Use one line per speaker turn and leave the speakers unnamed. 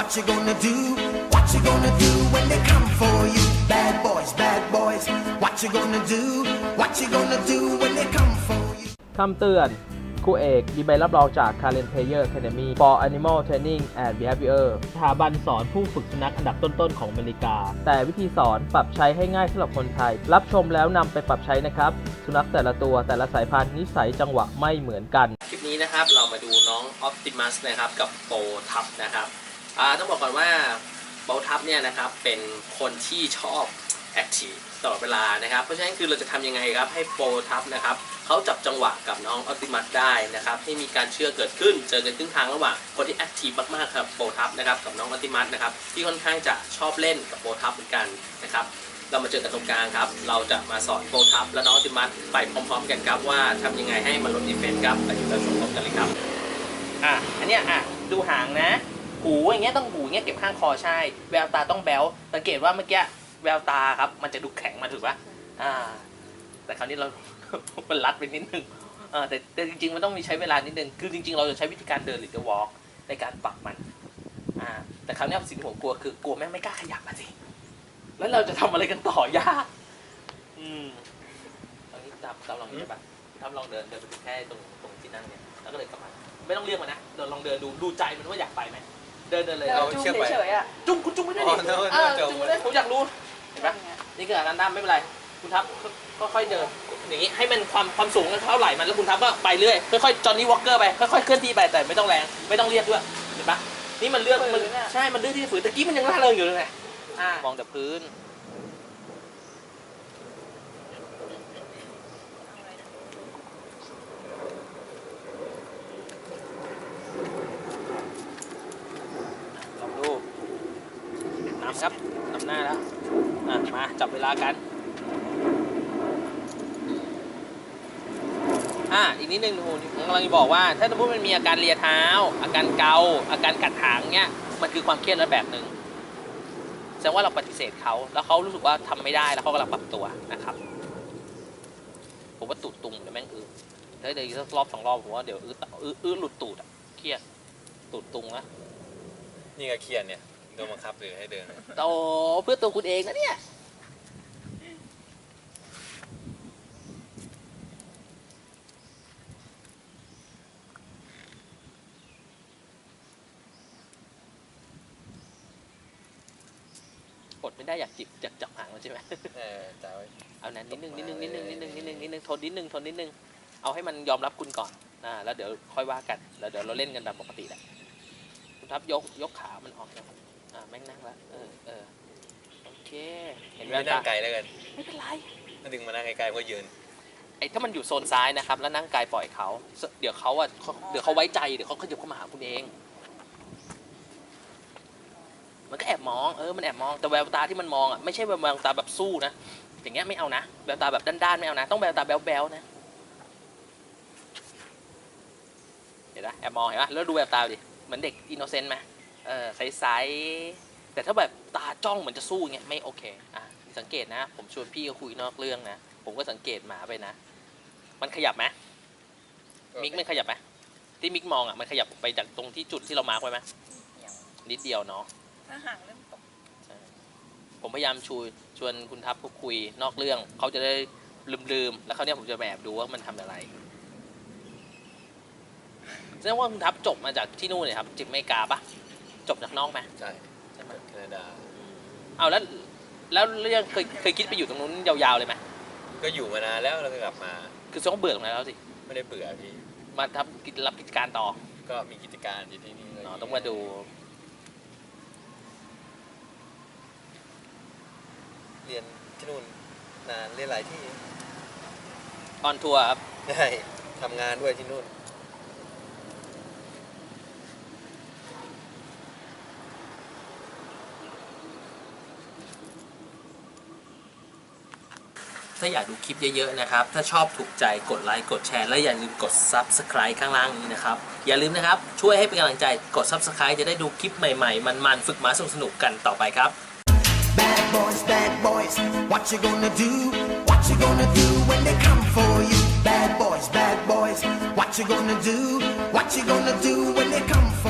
What you gonna do? What you gonna do when they come for you? Bad boys, bad boys. What you gonna do? What you gonna do when they come for you?
คำเตือนครูเอกมีใบรับรองจาก Current Player Academy for Animal Training and Behavior สถาบันสอนผู้ฝึกสุนัขอันดับต้นๆของอเมริกาแต่วิธีสอนปรับใช้ให้ง่ายสำหรับคนไทยรับชมแล้วนำไปปรับใช้นะครับสุนัขแต่ละตัวแต่ละสายพันธุ์นิสัยจังหวะไม่เหมือนกันคลิปนี้นะครับเรามาดูน้อง Optimus นะครับกับโปทับนะครับต้องบอกก่อนว่าโปทับเนี่ยนะครับเป็นคนที่ชอบแอคทีฟตลอดเวลานะครับเพราะฉะนั้นคือเราจะทำยังไงครับให้โปทับนะครับเขาจับจังหวะกับน้องออปติมัสได้นะครับให้มีการเชื่อเกิดขึ้นเจอกันครึ่งทางระหว่างคนที่แอคทีฟมากๆครับโปทับนะครับกับน้องออปติมัสนะครับที่ค่อนข้างจะชอบเล่นกับโปทับเหมือนกันนะครับเรามาเจอกันตรงกลางครับเราจะมาสอนโปทับและน้องออปติมัสไปพร้อมๆกันครับว่าทำยังไงให้มันลดดิเฟนส์ครับไปดูเราชมพร้อมกันเลยครับอันเนี้ยดูหางนะหูอย่างเงี้ยต้องหูอย่างเงี้ยเก็บข้างคอใช่แววตาต้องแบ๊วสังเกตว่าเมื่อกี้แววตาครับมันจะดูแข็งมาถูกปะแต่คราวนี้เรา มันรัดไปนิดนึงแต่จริงๆมันต้องมีใช้เวลานิดนึงคือจริงๆเราจะใช้วิธีการเดินหรือจะวอล์กในการปรับมันแต่คราวนี้สิ่งที่ผมกลัวคือกลัวแม่ไม่กล้าขยับมาสิแล้วเราจะทำอะไรกันต่อยากตอนนี้ตามลองนี่ใช่ปะทำลองเดินไปแค่ตรงที่นั่งเนี่ยแล้วก็เลยกลับมาไม่ต้องเรียกมันนะเราลองเดินดูใจมันว่าอยากไปไหมเดินเลยเรา
จุ้งเฉยๆ
จุ้งคุณจุ้งไม่ได้ดิจุ้งไม่ได้ผมอยากรู้เห็นปะนี่คือการด้ามไม่เป็นไรคุณทับก็ค่อยเดินอย่างนี้ให้มันความสูงเท่าไหร่มันแล้วคุณทับก็ไปเรื่อยค่อยๆจอห์นนี่วอล์กเกอร์ไปค่อยๆเคลื่อนที่ไปแต่ไม่ต้องแรงไม่ต้องเรียกด้วยเห็นปะนี่มันเลือกมันใช่มันเลือกที่จะฝืนตะกี้มันยังล่าเริงอยู่เลยไงมองแต่พื้นครับนำหน้าแล้วมาจับเวลากันอีกนิดนึงผมกำลังจะบอกว่าถ้าสมมติมันมีอาการเลียเท้าอาการเกาอาการกัดหางเนี้ยมันคือความเครียดระแบบหนึ่งแสดงว่าเราปฏิเสธเขาแล้วเขารู้สึกว่าทำไม่ได้แล้วเขากำลังปรับตัวนะครับผมว่าตูดตุงเดี๋ยวแม่งถ้าเดี๋ยวสักรอบ2 รอบผมว่าเดี๋ยวหลุดตูดเครียดตูดตุงนะ
นี่ก็เครียดเนี่ยโดนบังคับหรือให้เดิน
โตเพื่อตัวคุณเองนะเนี่ยอดไม่ได้อยากจับหางมันใช่ไหม
จ่ายไว้
เอานั้นนิดนึงทนนิดนึงเอาให้มันยอมรับคุณก่อนแล้วเดี๋ยวค่อยว่ากันแล้วเดี๋ยวเราเล่นกันตามปกติแหละคุณทับยกขามันออกนะครับแม่งนั่งแล้วโอเคเห็นไหม
นั่งไกลแล้วกัน
ไม่เป็นไร
ถ้าดึงมานั่งไกลๆก็ยืน
ถ้ามันอยู่โซนซ้ายนะครับแล้วนั่งไกลปล่อยเขาเดี๋ยวเขาไว้ใจเดี๋ยวเขาขยับเข้ามาหาคุณเองมันก็แอบมองมันแอบมองแต่แววตาที่มันมองไม่ใช่แววตาแบบสู้นะอย่างเงี้ยไม่เอานะแววตาแบบด้านๆไม่เอานะต้องแววตาแบ๊วๆนะเห็นไหมแอบมองเห็นไหมแล้วดูแววตาดิเหมือนเด็กอินโนเซนต์ไหมใสๆแต่ถ้าแบบตาจ้องเหมือนจะสู้เงี้ยไม่โอเคสังเกตนะผมชวนพี่ก็คุยนอกเรื่องนะผมก็สังเกตหมาไปนะมันขยับไหมมิกมันขยับไหมที่มิกมองมันขยับไปจากตรงที่จุดที่เรามาร์คไว้ไหมนิดเดียวเนาะ
ห่างเริ่มตก
ผมพยายามชวนคุณทัพคุยนอกเรื่องเขาจะได้ลืมแล้วเขาเนี่ยผมจะแอบดูว่ามันทำอะไรแสดงว่าคุณทัพจบมาจากที่นู่นเลยครับจากอเมริกาปะจบจากนอกไหม
ใช่ไหมแคนาดา
แล้วยังเคยคิดไปอยู่ตรงนู้นยาวๆเลยไหม
ก็อยู่มานานแล้วแล้วก็กลับมา
คือต้องเบื่อตรงนั้นแล้วสิ
ไม่ได้เบื่อพี่
มารับกิจการต่อ
ก็มีกิจการอยู่ที่นี่
ต้องมาดู
เรียนที่นู่นนานเรียนหลายที่
ออนทัวร์ครับ
ใช่ทำงานด้วยที่นู่น
ถ้าอยากดูคลิปเยอะๆนะครับถ้าชอบถูกใจกดไลค์กดแชร์และอย่าลืมกด Subscribe ข้างล่างนี้นะครับอย่าลืมนะครับช่วยให้เป็นกำลังใจกด Subscribe จะได้ดูคลิปใหม่ๆมันๆฝึกม้าสนุกๆกันต่อไปครับ
Bad boys What you gonna do What you gonna do when they come for you Bad boys What you gonna do What you gonna do when they come for you